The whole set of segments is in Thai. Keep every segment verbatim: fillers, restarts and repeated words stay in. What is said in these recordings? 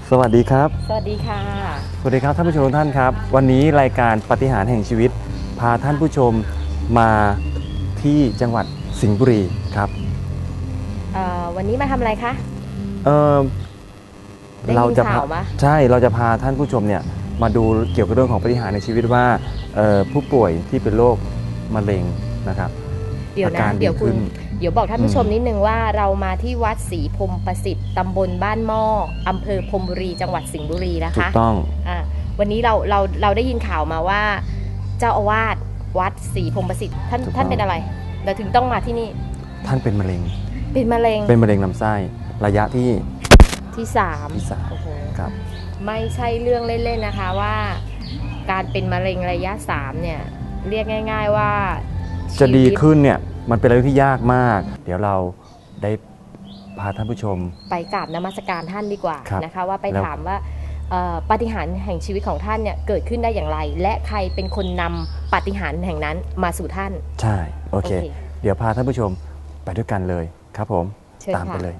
สวัสดีครับสวัสดีค่ะสวัสดีครับท่านผู้ชมทุกท่านครับวันนี้รายการปาฏิหาริย์แห่งชีวิตพาท่านผู้ชมมาที่จังหวัดสิงห์บุรีครับวันนี้มาทำอะไรคะเออเราจะพาใช่เราจะพาท่านผู้ชมเนี่ยมาดูเกี่ยวกับเรื่องของปาฏิหาริย์ในชีวิตว่าผู้ป่วยที่เป็นโรคมะเร็งนะครับเดี๋ยวนะเดี๋ยวคุณเดี๋ยวบอกท่านผู้ชมนิดนึงว่าเรามาที่วัดศรีพรหมประสิทธิ์ตำบลบ้านหม้ออำเภอพรหมบุรีจังหวัดสิงห์บุรีนะคะถูกต้องอ่าวันนี้เราเราเราได้ยินข่าวมาว่าเจ้าอาวาสวัดศรีพรหมประสิทธิ์ท่านท่านเป็นอะไรเราถึงต้องมาที่นี่ท่านเป็นมะเร็งเป็นมะเร็งเป็นมะเร็งลำไส้ระยะที่ที่สามที่สามโอ้โหครับไม่ใช่เรื่องเล่นๆนะคะว่าการเป็นมะเร็งระยะสามเนี่ยเรียกง่ายๆว่าจะดีขึ้นเนี่ยมันเป็นอะไรที่ยากมากเดี๋ยวเราได้พาท่านผู้ชมไปกราบนมัสการท่านดีกว่านะคะว่าไปถามว่าปาฏิหาริย์แห่งชีวิตของท่านเนี่ยเกิดขึ้นได้อย่างไรและใครเป็นคนนำปาฏิหาริย์แห่งนั้นมาสู่ท่านใช่โอเคเดี๋ยวพาท่านผู้ชมไปด้วยกันเลยครับผมตามไปเลย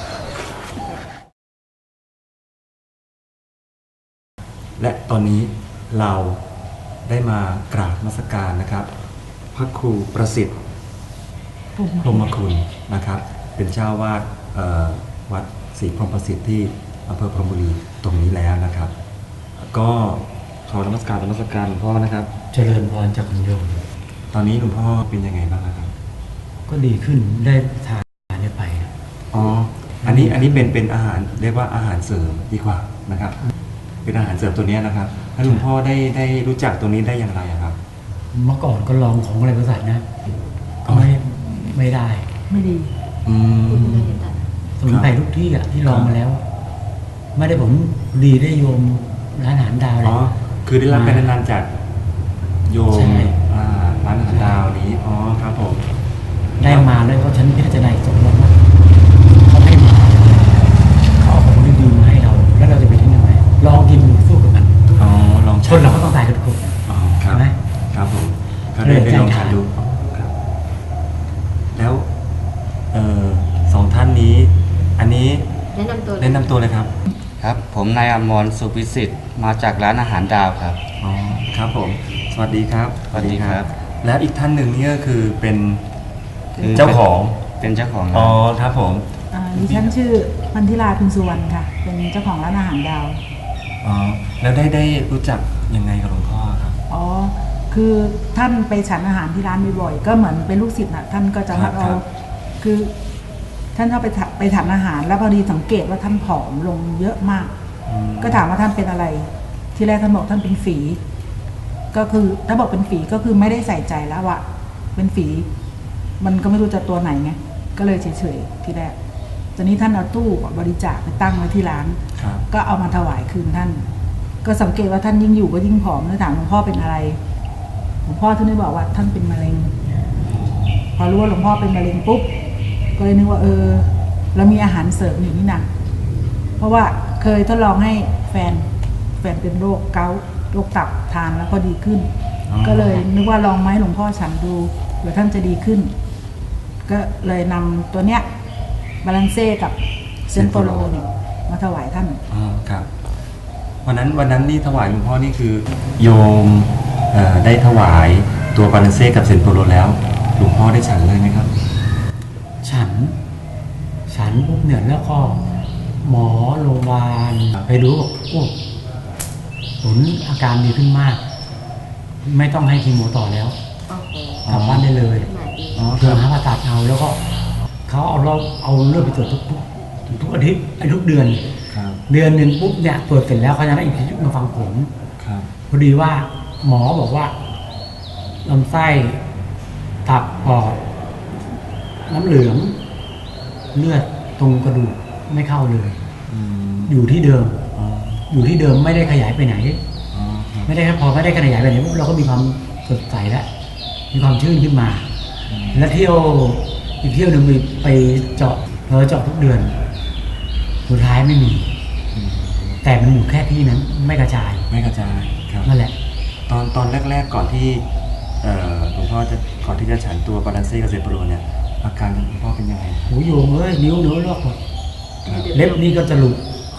และตอนนี้เราได้มากราบนมัสการนะครับพระครูประสิทธิ์พรหมคุณนะครับเป็นเจ้าวาดวัดศรีพรหมประสิทธิ์ที่อำเภอพรหมบุรีตรงนี้แล้วนะครับก็ขอนมัสการนมัสการหลวงพ่อนะครับเจริญพรจากคุณโยมตอนนี้หลวงพ่อเป็นยังไงบ้างครับก็ดีขึ้นได้ทานได้ไปอ๋ออันนี้อันนี้เป็นเป็นอาหารเรียกว่าอาหารเสริมดีกว่านะครับเป็นอาหารเสริมตัวนี้นะครับแล้วหลวงพ่อได้ได้รู้จักตัวนี้ได้อย่างไรครับเมื่อก่อนก็ลองของอะไรบริษัทนะไม่ไม่ได้ไม่ดีสมุนไพรทุกที่อ่ะที่ลองมาแล้วไม่ได้ผมดีได้โยมร้านอาหารดาวเลยอ๋อคือได้รับการแนะนำจากโยมร้านอาหารดาวนี้อ๋อครับผมได้มาแล้วก็ฉันพิจารณาสมมติว่าเขาให้มาเขาเอาของดีๆมาให้เราแล้วเราจะไปทิ้งยังไงลองกินสู้กับมันอ๋อลองคนเราก็ต้องตายกันทุกคนอ๋อครับไหมครับผมก็ได้ได้ลองทานดูครับแล้วเอ่อสองท่านนี้อันนี้แนะนำตัวแนะนำตัวเลยครับครับผมนายอมรสุพิสิทธิ์มาจากร้านอาหารดาวครับอ๋อครับผมสวัสดีครับสวัสดีครับแล้วอีกท่านหนึ่งนี่ก็คือเป็นเจ้าของเป็นเจ้าของอ๋อครับผมดิฉันชื่อพันธิราพินสุวรรณค่ะเป็นเจ้าของร้านอาหารดาวอ๋อแล้วได้ได้รู้จักยังไงกับหลวงพ่อครับอ๋อคือท่านไปฉันอาหารที่ร้านบ่อยๆก็เหมือนเป็นลูกศิษย์นะท่านก็จะมาเอาคือท่านเข้าไปไปฉันอาหารแล้วพอดีสังเกตว่าท่านผอมลงเยอะมากก็ถามว่าท่านเป็นอะไรที่แรกท่านบอกท่านเป็นฝีก็คือถ้าบอกเป็นฝีก็คือไม่ได้ใส่ใจแล้วว่าเป็นฝีมันก็ไม่รู้จะตัวไหนไงก็เลยเฉยๆที่แรกตอนนี้ท่านเอาตู้บริจาคไปตั้งไว้ที่ร้านก็เอามาถวายคืนท่านก็สังเกตว่าท่านยิ่งอยู่ก็ยิ่งผอมแล้วถามหลวงพ่อเป็นอะไรหลวงพ่อท่านได้บอกว่าท่านเป็นมะเร็งพอรู้ว่าหลวงพ่อเป็นมะเร็งปุ๊บก็เลยนึกว่าเออเรามีอาหารเสริมอยู่นี่นะเพราะว่าเคยทดลองให้แฟนแฟนเป็นโรคเกาต์โรคตับทานแล้วก็ดีขึ้นก็เลยนึกว่าลองไหมหลวงพ่อฉันดูเผื่อท่านจะดีขึ้นก็เลยนำตัวเนี้ยบาลานเซ่กับเซนโปโลเนี่ยมาถวายท่านอ๋อครับวันนั้นวันนั้นนี่ถวายหลวงพ่อนี่คือโยมได้ถวายตัวบาลานเซ่กับเซนโปโลแล้วหลวงพ่อได้ฉันเลยไหมครับฉันฉันปุ๊บเนี่ยแล้วก็หมอโรงพยาบาลไปดูบอกโอ้ผลอาการดีขึ้นมากไม่ต้องให้คีโมต่อแล้วกลับบ้านได้เลยเพื่อหาผ่าตัดเอาแล้วก็เขาเอาเราเอาเลือดไปตรวจทุกทุกทุกอาทิตย์ทุกเดือนเดือนหนึ่งปุ๊บเนี่ยตรวจเสร็จแล้วเขาจะได้อีกทีมาฟังผลพอดีว่าหมอบอกว่าลำไส้ตับปอดน้ำเหลืองเลือดตรงกระดูกไม่เข้าเลยอยู่ที่เดิมอยู่ที่เดิมไม่ได้ขยายไปไหนไม่ได้พอไม่ได้ขยายไปไหนเราก็มีความสดใสแล้วมีความชื่นขึ้นมาแล้วเที่ยวอีกเที่ยวหนึ่งไปเจาะเราเจาะทุกเดือนสุดท้ายไม่มีแต่มันอยู่แค่ที่นั้นไม่กระจายไม่กระจายครับนั่นแหละตอนตอนแรกๆก่อนที่หลวงพ่อจะก่อนที่จะฉันตัวบาลานเซ่กับเซโปโลเนี่ยอาการหลวงพ่อเป็นยังไงโอ้โยมเอ้ยนิ้วเนื้อลอกหมดเล็บนี่ก็จะหลุดค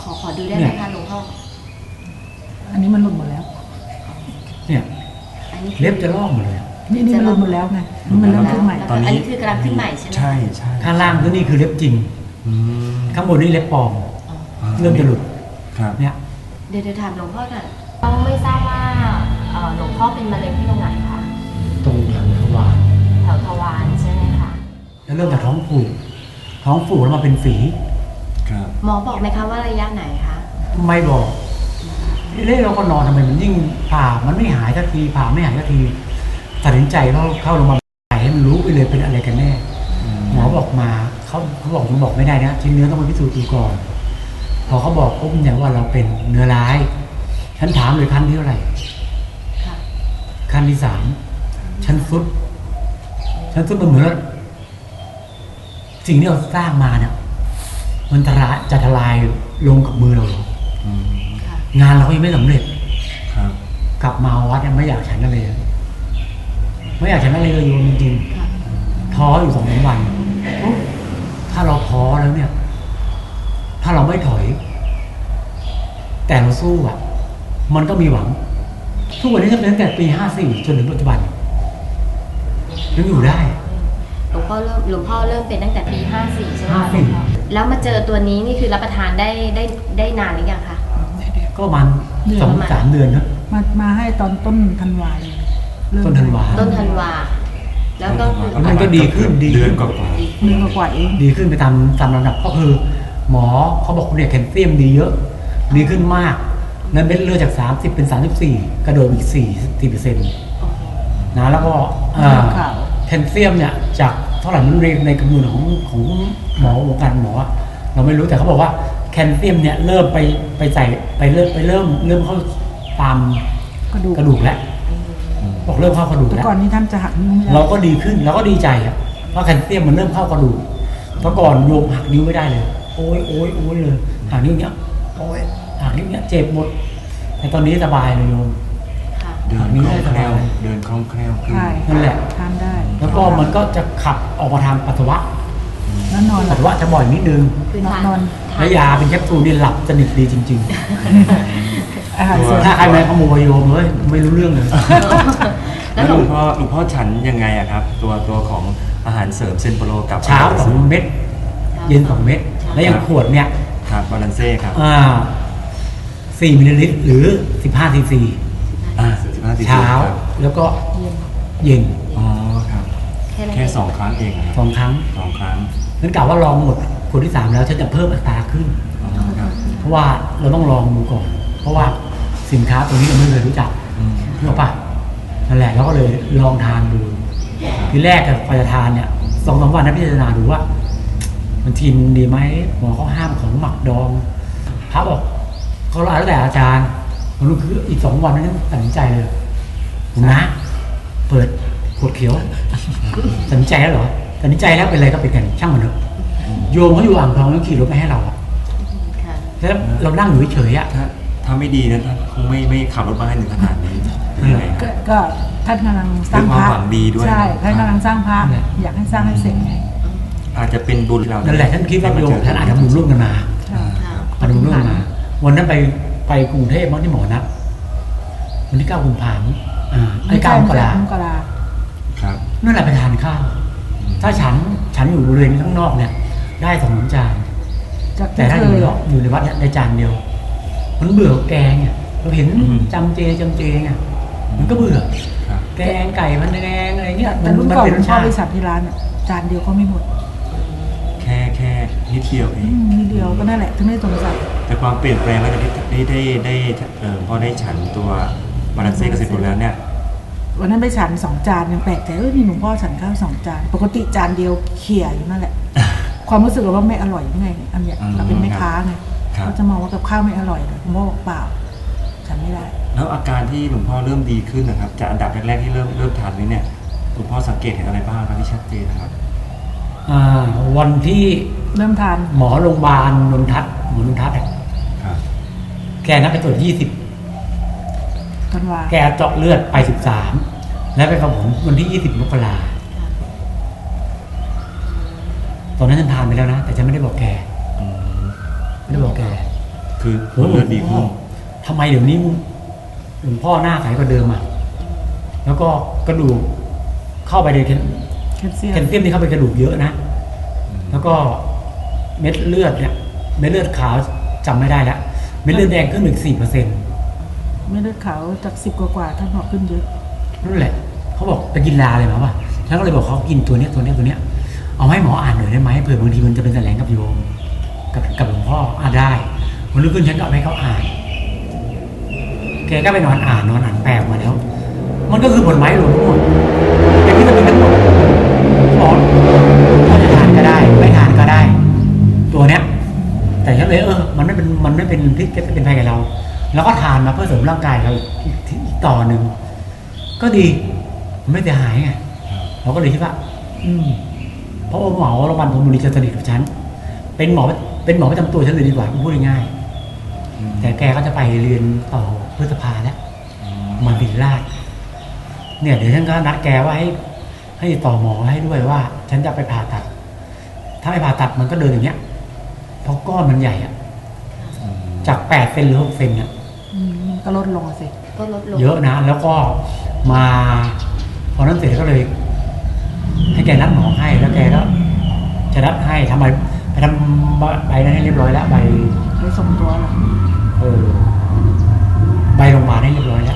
ขอขอดูได้ไหมคะหลวงพ่ออันนี้มันหลุดหมดแล้วเนี่ยอันนี้คือเล็บจะลอกหมดเลยนี่นี่มันหลุดหมดแล้วไงนี่มันเริ่มขึ้นใหม่ตอนนี้อันนี้คือกำลังขึ้นใหม่ใช่ไหมใช่ใช่ข้างล่างก็นี่คือเล็บจริงอืมข้างบนนี่เล็บปลอมอ่าเริ่มจะหลุดครับเนี่ยเดี๋ยวเดี๋ยวถามหลวงพ่อก่อนเราไม่ทราบว่าเอ่อหลวงพ่อเป็นมะเร็งที่ตรงไหนคะตรงแถวทวารแถวทวารใช่ไหมคะแล้วเริ่มจากท้องผูกท้องผูกแล้วมาเป็นฝีครับหมอบอกไหมคะว่าระยะไหนคะไม่บอกเล่เราก็นอนทำไมมันยิ่งผ่ามันไม่หายสักทีผ่าไม่หายสักทีตัดสินใจเข้าเข้าโรงพยาบาลให้มันรู้ไปเลยเป็นอะไรกันแน่อืมหมอบอกมาเขาเขาบอกมันบอกไม่ได้นะชิ้นเนื้อต้องไปพิสูจน์ดูก่อน พอเขาบอกปุ๊บเนี่ยว่าเราเป็นเนื้อร้าย ฉันถามเลยขั้นที่เท่าไหร่ค่ะขั้นที่สามฉันฟุดฉันฟุดมันเหมือนว่าสิ่งที่เราสร้างมาเนี่ย มันจะละจะทลายลงกับมือเราเหรออืมค่ะงานเราก็ยังไม่สำเร็จครับกลับมาวัดเนี่ยไม่อยากฉันอะไรเลยไม่อยากฉันอะไรเลยโยมจริงค่ะๆท้ออยู่สองสามวันโอ้ถ้าเราท้อแล้วเนี่ย ถ้าเราไม่ถอย แต่เราสู้อ่ะ มันก็มีหวัง ทุกวันนี้จะเป็นตั้งแต่ปีห้าสี่จนถึงปัจจุบันยังอยู่ได้หลวงพ่อเริ่มหลวงพ่อเริ่มเป็นตั้งแต่ปีห้าสี่ใช่ไหมคะห้าสี่แล้วมาเจอตัวนี้นี่คือรับประทานได้ได้ได้นานหรือยังคะก็ประมาณสองสามเดือนนะมามาให้ตอนต้นธันวาเลยเริ่มต้นธันวาต้นธันวา แล้วก็คือแล้วมันก็ดีขึ้นดีขึ้นเดือนกว่าหนึ่งกว่าๆเองดีขึ้นไปตามตามลำดับก็คือ หมอเขาบอกเนี่ยแคลเซียมดีเยอะ ดีขึ้นมากนั้นเม็ดเลือดจากสามสิบเป็นสามสิบสี่กระโดดอีกสี่สี่เปอร์เซ็นต์นะแล้วก็อ่าข่าวแคลเซียมเนี่ยจากเท่าไหร่มันเรียนในกำมือของของหมอวงการหมออะเราไม่รู้แต่เขาบอกว่าแคลเซียมเนี่ยเริ่มไปไปใส่ไปเริ่มไปเริ่มเริ่มเข้าตามกระดูกกระดูกแล้วบอกเริ่มเข้ากระดูกแต่แล้วก่อนนี้ท่านจะหักนิ้วไม่ได้เราก็ดีขึ้นเราก็ดีใจครับเพราะแคลเซียมมันเริ่มเข้ากระดูกเมื่อก่อนโยมหักนิ้วไม่ได้เลย โอ้ยโอ้ยโอ้ยเลยหักนิ้วเนี้ยโอ้ยหักนิ้วเนี้ยเจ็บหมดแต่ตอนนี้สบายเลยโยมค่ะๆเดินคล่องแคล่วเดินคล่องแคล่วขึ้นใช่นั่นแหละทานได้แล้วก็มันก็จะขับออกมาทางปัสสาวะแล้วนอนหปัลัสบสาวะจะบ่อยนิดนึงคือนอนนอนทานแล้วยาเป็นแคปซูลนี่หลับสนิทดีจริงอาหารเสริมๆ ถ้าใครมาขโมยโยมเลยไม่รู้เรื่องเลยแล้แล้ว วหหลลววงงพ่อหลวงพ่อฉันยังไงอะครับ ตัวตัวของอาหารเสริมเซนโปรโลกับเช้าสองเม็ดเย็นสองเม็ดแล้วอย่างขวดเนี่ยครับบาลานเซ่ครับอ่าสี่มิลลิลิตรหรือสิบห้าซีซีอ่าสิบห้าซีซีเช้าครับแล้วก็เย็นอ๋อครับแค่นั้นแค่เองสองครั้งเองนะคสรับองครั้งสองครั้งนั้นกล่าวว่าลองหมดคนที่สามแล้วฉันจะเพิ่มอัตราขึ้นอ๋อครับเพราะว่าเราต้องลองดูก่อน เพราะว่าสินค้าตัวนี้เราไม่เคยรู้จักอืมรู้ปะนั่นแหละเราก็เลยลองทานดู ทีแรกกับพอจะทานเนี่ยสองสามวันนะพิจารณาดูว่า มันทินดีไหมหมอเขาห้ามของหมักดองพระบอกเขาแล้วแต่อาจารย์ผมรู้คืออีกสองวันนั้นตัดสินใจเลยผมนะ เปิดขวดเขียวตัดสินใจแล้วเหรอตัดสินใจแล้วเป็นอะไรก็เป็นกันช่างมันเถอะโยมเขาอยู่อ่างทองแล้วขี่รถไปให้เราอะค่ะแล้วเรานั่งอยู่เฉยๆอะถ้าถ้าไม่ดีนะท่านคงไม่ไม่ขับรถมาให้ถึงขนาดนี้อืมก็ก็ท่านกำลังสร้างพระด้วยความหวังดีด้วยใช่ท่านกำลังสร้างพระนั่นแหละอยากให้สร้างให้เสร็จไงอาจจะเป็นบุญเรานั่นั่นแหละท่านคิดว่าโยมท่านอาจจะบุญร่วมกันมาใช่ค่ะอาจจะบุญร่วมกันมา วันนั้นไปไปกรุงเทพมั้งที่หมอนัดวันที่เก้ากุมภาพันธ์อ่าไอ้เก้ามกรามกราครับนั่นแหละไปทานข้าว ถ้าฉันฉันอยู่บริเวณข้างนอกเนี่ย ได้สองสามจานจากแต่ที่ถ้าเคอยู่ยในอยู่ในวัดเนี่ยได้จานเดียว มันเบื่อแกงเนี่ยเราเห็นอืมจำเจจำเจไงมันก็เบื่อครับแกงไก่พันแดงอะไรเงี้ยแต่มันรุ่นมันก่อนเป็นรสพ่อชาติไปสั่งที่ร้านเนี่ยจานเดียวก็ไม่หมดแค่แค่นิดเดียวเออืงมนิดเดียวก็นั่นแหละถึงได้สงสัยแต่ความเปลี่ยนแปลงหลังจากที่ได้ได้ได้เออพอได้ฉันตัวบาลานเซ่กับเซนโปรโลแล้วเนี่ยวันนั้นไปฉันสองจานยังแปลกใจเออนี่หลวงพ่อฉันข้าวสองจานปกติจานเดียวเขี่ยอยู่นั่นแหละ ความรู้สึกเราว่าไม่อร่อยยังไงอันเนี้ยอืมเราเป็นแม่ค้าไงครับเขาจะมองว่ากับข้าวไม่อร่อยเลยหลวงพ่อบอกเปล่า ฉันไม่ได้แล้วอาการที่หลวงพ่อเริ่มดีขึ้นนะครับจากอันดับแรกๆที่เริ่มเริ่มทานนี้เนี่ยหลวงพ่อสังเกตเห็นอะไรบ้างครับที่ชัดเจนนะครับอ่าวันที่เริ่มทานหมอโรงพยาบาลนนทัศน์หมอนนทัศน์อะครับแกนัดไปตรวจยี่สิบธันวาแกเจาะเลือดไปสิบสามแล้วไปกับผมวันที่ยี่สิบมกราตอนนั้นฉันทานไปแล้วนะ แต่ฉันไม่ได้บอกแกอืมไม่ได้บอกแกคือโอ้โหเลือดดีขึ้นทำไมเดี๋ยวนี้หลวงพ่อหน้าใสกว่าเดิมอ่ะแล้วก็กระดูกเข้าไปในแคลแคลเซียมแคลเซียมที่เข้าไปกระดูกเยอะนะ แล้วก็เม็ดเลือดเนี่ยเม็ดเลือดขาวจำไม่ได้แล้วเม็ดเลือดแดงขึ้นถึงสี่เปอร์เซ็นต์ไม่เลือดขาวจากสิบกว่าๆท่านบอกขึ้นเยอะนั่นแหละเขาบอกไปกินลาเลยมั้งวะฉันก็เลยบอกเขากินตัวเนี้ยตัวเนี้ยตัวเนี้ยเอาให้หมออ่านหน่อยได้ไหมเผื่อบางทีมันจะเป็นแสลงกับโยมกับกับหลวงพ่ออ่าได้วันรุ่งขึ้นฉันก็เอาให้เขาอ่าน แกก็ไปนอนอ่านนอนอ่านแปลมาแล้ว มันก็คือผลไม้รวมทั้งหมดเป็นวิตามินทั้งหมดหมอถ้าจะทานก็ได้ไม่ทานก็ได้ ตัวเนี้ย แต่ฉันเลยเออ มันไม่เป็นมันไม่เป็นพิษเป็นภัยกับเรา แล้วก็ทานมาเพื่อเสริมร่างกายเราอีกอีกต่อหนึ่งก็ดีมันไม่เสียหายไงเราก็เลยคิดว่า อืมเพราะว่าหมอโรงพยาบาลธนบุรีจะสนิทกับฉันเป็นหมอเป็นหมอประจำตัวฉันเลยดีกว่าพูดง่ายๆแต่แกก็จะไปเรียนต่อพฤษภาแล้วมาบินราชเนี่ยเดี๋ยวฉันก็นัดแกว่าให้ให้ต่อหมอให้ด้วยว่า ฉันจะไปผ่าตัด ถ้าไม่ผ่าตัดมันก็เดินอย่างเงี้ยเพราะก้อนมันใหญ่อะจากแปดเซนหรือหกเซนเนี่ยอืมก็ลดลงอะสิก็ลดลงเยอะนะ แล้วก็มาพอนั้นเสร็จก็เลย ให้แกนัดหมอให้แล้วแกก็จะนัดให้ทำไมไปทำใบนั้นให้เรียบร้อยแล้วใบไปส่งตัวเหรอเออใบโรงพยาบาลให้เรียบร้อยแล้ว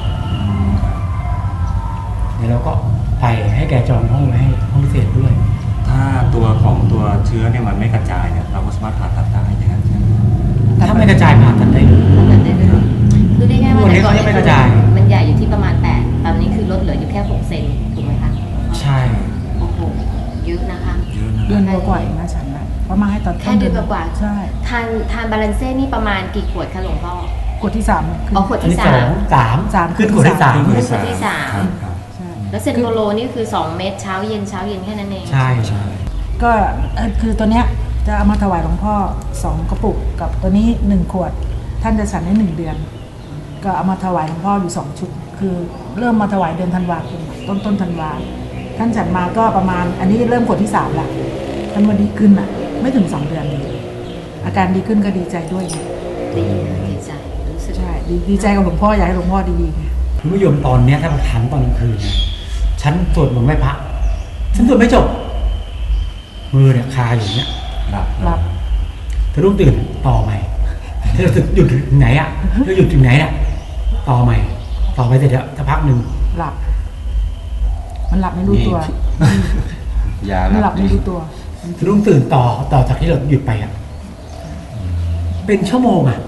เดี๋ยวเราก็ไปให้แกจองห้องไว้ให้ห้องพิเศษด้วยถ้าตัวของตัวเชื้อเนี่ยมันไม่กระจายเนี่ยเราก็สามารถผ่าตัดได้อย่างนั้นใช่ไหมถ้าไม่กระจายผ่าตัดได้เลยผ่าตัดได้เลยคือได้ง่ายๆว่าวันนี้แต่ก่อนเขายังไม่กระจายมันใหญ่อยู่ที่ประมาณแปดตอนนี้คือลดเหลืออยู่แค่หกเซนถูกไหมคะใช่โอ้โหเยอะนะคะเยอะนะเดือนกว่าๆเองนะฉันนะเพราะมาให้ตอนแค่เดือนกว่าๆใช่ทานทานบาลานเซ่นี่ประมาณกี่ขวดคะหลวงพ่อกดที่สามขึ้นอ๋อขวดอันที่นี้สาสอมงสามสามขึ้นขวดที่สามขวดที่สามครับครับใช่แล้วเซนโปโลนี่คือสองเม็ดเช้าเย็นเช้าเย็นแค่นั้นเองใช่ใช่ก็เอ่อคือตัวเนี้ยจะเอามาถวายหลวงพ่อสองกระปุกกับตัวนี้หนึ่งขวด ท่านจะฉันได้หนึ่งเดือน ก็เอามาถวายหลวงพ่ออยู่สองชุด คือเริ่มมาถวายเดือนธันวาคมต้นต้นธันวาท่านฉันมาก็ประมาณ อันนี้เริ่มขวดที่สามละท่านวันดีขึ้นอ่ะ ไม่ถึงสองเดือนดีอาการดีขึ้นก็ดีใจด้วยไงดีนะดีใจรู้สึกใช่ดีดีใจกับหลวงพ่ออยากให้หลวงพ่อดีๆไงคุณผู้ชมตอนเนี้ยถ้ามาทันตอนกลางคืนนะฉันสวดมนต์ไหว้พระฉันสวดไม่จบมือเนี่ยคาอยู่เนี้ยหลับหลับเธอรุ่งตื่นต่อใหม่เธอจะหยุดถึงไหนอ่ะเธอหยุดถึงไหนอ่ะต่อใหม่ ต่อไปเสร็จแล้วสักพักหนึ่งหลับ มันหลับไม่รู้ตัวยามันหลับไม่รู้ตัวเธอรุ่งตื่นต่อต่อจากที่เราหยุดไปอ่ะเป็นชั่วโมงอ่ะ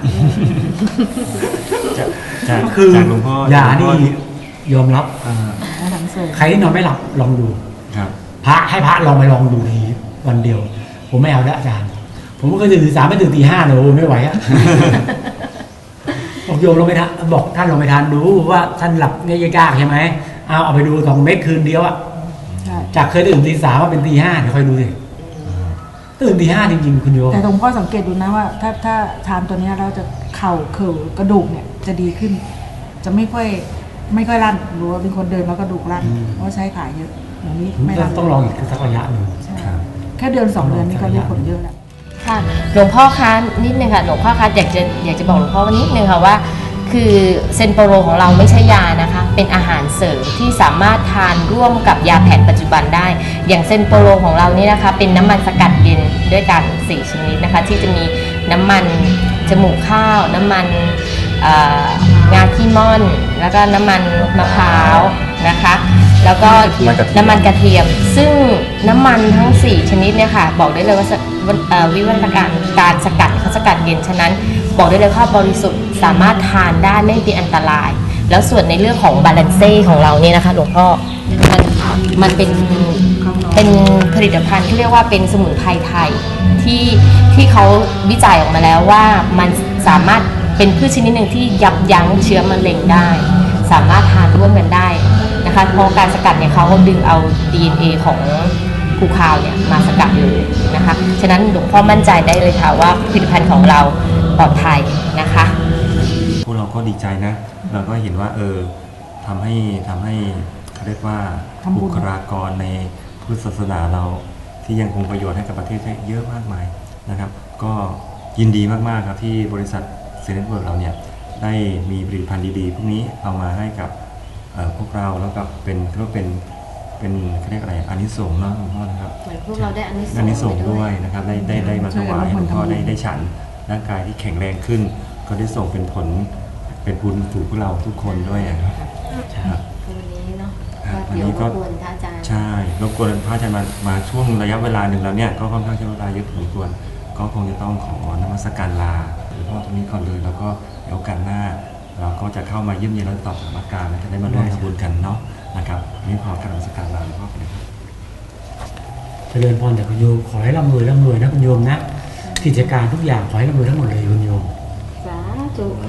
จากจากก็คือจากหลวงพ่อยาหลวงพ่นี่ยอมรับอ่าอาหลังเสริมใครที่นอนไม่หลับลองดูครับพระให้พระลองไปลองดูทีวันเดียว ผมไม่เอาแล้วอาจารย์ ผมก็เคยตื่นตีสามไม่ตื่นตีห้าเลยโอ้ไม่ไหวอะ บอกโยมลองไปทานบอกท่านลองไปทานดูว่าท่านหลับเนี่ยยากใช่ไหมเอาเอาไปดูสองเม็ดคืนเดียวอะใช่จากเคยตื่นตีสามมาเป็นตีห้าเดี๋ยวคอยดูสิตื่นตีห้าจริงๆคุณโยมแต่หลวงพ่อสังเกตดูนะว่า ถ้าถ้าทานตัวเนี้ยเราจะเข่าเข่ากระดูกเนี่ยจะดีขึ้น จะไม่ค่อยไม่ค่อยลั่นหรือว่าเป็นคนเดินแล้วกระดูกลั่นเพราะว่าใช้ขาเยอะอย่างนี้ไม่ลั่นต้องลองอีกสักระยะหนึ่งใช่ครับแค่เดือนสองเดือนนี่ก็ได้ผลเยอะแล้วค่ะหลวงพ่อคะนิดนึงค่ะหลวงพ่อคะอยากจะอยากจะบอกหลวงพ่อว่านิดนึงค่ะว่า คือเซนโปโรของเราไม่ใช่ยานะคะเป็นอาหารเสริมที่สามารถทานร่วมกับยาแผนปัจจุบันได้ อย่างเซนโปโรของเรานี่นะคะเป็นน้ำมันสกัดเย็นด้วยกันสี่ชนิดนะคะที่จะมีน้ำมันจมูกข้าว น้ำมันเอ่องาขี้ม่อน แล้วก็น้ำมันมะพร้าวนะคะแล้วก็น้ำมันกระเทียม ซึ่งน้ำมันทั้งสี่ชนิดเนี่ยค่ะบอกได้เลยว่าสเอ่อวิวัฒนาการการสกัดเขาสกัดเย็นฉะนั้นบอกได้เลยว่าบริสุทธิ์สามารถทานได้ไม่เป็นอันตราย แล้วส่วนในเรื่องของบาลานเซ่ของเราเนี่ยนะคะหลวงพ่อมันมันเป็นเป็นผลิตภัณฑ์ที่เรียกว่าเป็นสมุนไพรไทยที่ที่เขาวิจัยออกมาแล้วว่ามันสามารถเป็นพืชชนิดหนึ่งที่ยับยั้งเชื้อมะเร็งได้ สามารถทานร่วมกันได้นะคะเพราะการสกัดเนี่ยเขาดึงเอา ดี เอ็น เอ ของภูคาวเนี่ยมาสกัดเลยนะคะฉะนั้นหลวงพ่อมั่นใจได้เลยค่ะว่าผลิตภัณฑ์ของเราปลอดภัยนะคะพวกเราก็ดีใจนะ เราก็เห็นว่าเออทำให้ทำให้เขาเรียกว่าทำบุญบุคลากรในพุทธศาสนาเราที่ยังคงประโยชน์ให้กับประเทศได้เยอะมากมายนะครับ ก็ยินดีมากๆครับที่บริษัทเซนต์เวิร์กเราเนี่ยได้มีผลิตภัณฑ์ดีๆพวกนี้เอามาให้กับเอ่อพวกเราแล้วก็เป็นก็เป็นเป็นเขาเรียกอะไรอานิสงส์เนาะหลวงพ่อนะครับเหมือนพวกเราได้อานิสงส์อานิสงส์ไปด้วยนะครับได้ได้ได้มาถวายให้หลวงพ่อได้ได้ฉันร่างกายที่แข็งแรงขึ้น ก็ได้ส่งเป็นผลเป็นบุญถูกพวกเราทุกคนด้วยนะครับครับวันนี้เนาะครับก็เดี๋ยววันนี้ก็รบกวนท่านอาจารย์ใช่รบกวนพระอาจารย์มามาช่วงระยะเวลาหนึ่งแล้วเนี่ยก็ค่อนข้างใช้เวลาเยอะพอสมควรก็คงจะต้องขอนมัสการลาหลวงพ่อตรงนี้ก่อนเลยแล้วก็เดี๋ยวโอกาสหน้า เราก็จะเข้ามาเยี่ยมเยียนและตอบถามอาการและจะได้มาร่วมทำบุญกันเนาะนะครับวันนี้ขอกรารนมัสการลาหลวงพ่อไปเลยครับเจริญพรแต่คุณโยมขอให้ร่ำรวยร่ำรวยนะคุณโยมนะกิจการทุกอย่างขอให้ร่ำรวยทั้งหมดเลยคุณโยมสาธุ